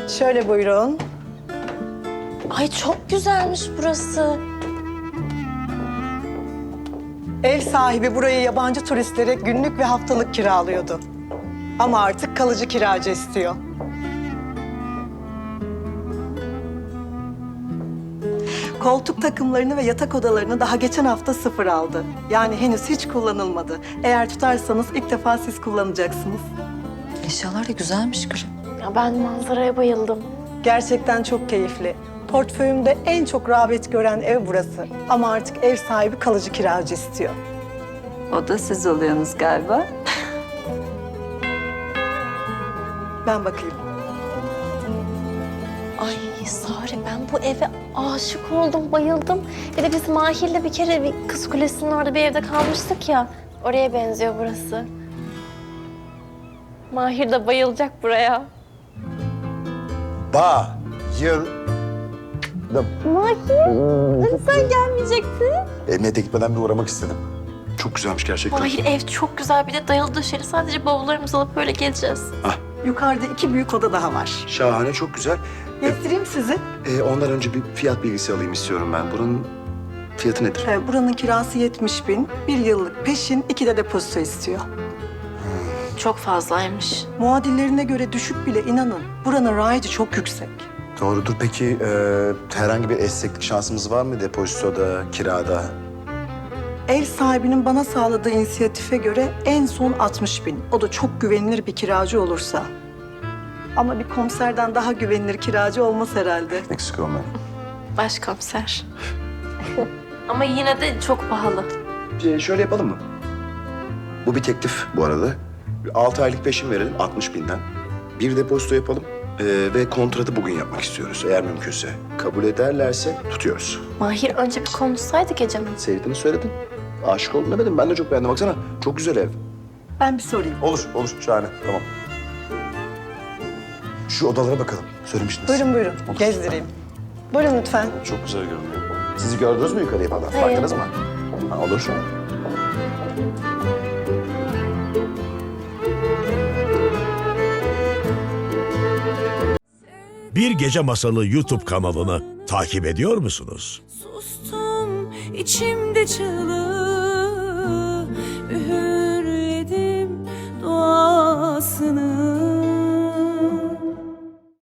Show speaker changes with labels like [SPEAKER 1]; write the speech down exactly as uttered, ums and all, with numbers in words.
[SPEAKER 1] Şöyle buyurun.
[SPEAKER 2] Ay çok güzelmiş burası.
[SPEAKER 1] Ev sahibi burayı yabancı turistlere günlük ve haftalık kiralıyordu. Ama artık kalıcı kiracı istiyor. Koltuk takımlarını ve yatak odalarını daha geçen hafta sıfır aldı. Yani henüz hiç kullanılmadı. Eğer tutarsanız ilk defa siz kullanacaksınız.
[SPEAKER 3] Eşyalar da güzelmiş Gülüm.
[SPEAKER 2] Ya ben manzaraya bayıldım.
[SPEAKER 1] Gerçekten çok keyifli. Portföyümde en çok rağbet gören ev burası. Ama artık ev sahibi kalıcı kiracı istiyor.
[SPEAKER 3] O da siz oluyorsunuz galiba.
[SPEAKER 1] Ben bakayım.
[SPEAKER 2] Ay Sare ben bu eve aşık oldum, bayıldım. Bir de biz Mahir'le bir kere bir Kız Kulesi'nin orada bir evde kalmıştık ya. Oraya benziyor burası. Mahir de bayılacak buraya.
[SPEAKER 4] Bayıldım.
[SPEAKER 2] Mahir, sen gelmeyecektin.
[SPEAKER 4] Emniyete gitmeden bir uğramak istedim. Çok güzelmiş gerçekten.
[SPEAKER 2] Mahir ev çok güzel, bir de dayalı döşeli. Sadece bavullarımızı alıp böyle gezeceğiz.
[SPEAKER 1] Yukarıda iki büyük oda daha var.
[SPEAKER 4] Şahane, çok güzel.
[SPEAKER 1] Gezdireyim sizi.
[SPEAKER 4] Ee, ondan önce bir fiyat bilgisi alayım istiyorum ben. Buranın fiyatı nedir?
[SPEAKER 1] Ee, buranın kirası yetmiş bin. Bir yıllık peşin, iki de depozito istiyor.
[SPEAKER 2] Çok fazlaymış.
[SPEAKER 1] Muadillerine göre düşük bile inanın. Buranın raici çok yüksek.
[SPEAKER 4] Doğrudur. Peki e, herhangi bir esneklik şansımız var mı depozitoda, kirada?
[SPEAKER 1] Ev sahibinin bana sağladığı inisiyatife göre en son altmış bin. O da çok güvenilir bir kiracı olursa. Ama bir komiserden daha güvenilir kiracı olmaz herhalde.
[SPEAKER 4] Eksik olmayın.
[SPEAKER 2] Başkomiser. Ama yine de çok pahalı.
[SPEAKER 4] Ee, şöyle yapalım mı? Bu bir teklif bu arada. Altı aylık peşin verelim altmış binden. Bir depozito yapalım ee, ve kontratı bugün yapmak istiyoruz. Eğer mümkünse. Kabul ederlerse tutuyoruz.
[SPEAKER 2] Mahir önce bir konuşsaydı gecemin.
[SPEAKER 4] Sevdiğini söyledin. Aşık oldum demedim. Ben de çok beğendim. Baksana çok güzel ev.
[SPEAKER 1] Ben bir sorayım.
[SPEAKER 4] Olur, olur. Şahane. Tamam. Şu odalara bakalım. Söylemiştiniz.
[SPEAKER 1] Buyurun buyurun.
[SPEAKER 4] Olur.
[SPEAKER 1] Gezdireyim. Buyurun lütfen.
[SPEAKER 4] Çok güzel görünüyor. Sizi gördünüz mü yukarıya falan?
[SPEAKER 2] Hayır.
[SPEAKER 4] Baktınız mı? Ha, olur.
[SPEAKER 5] Bir Gece Masalı YouTube kanalını takip ediyor musunuz?
[SPEAKER 6] Sustum içimde çığlığı, üğürledim duasını.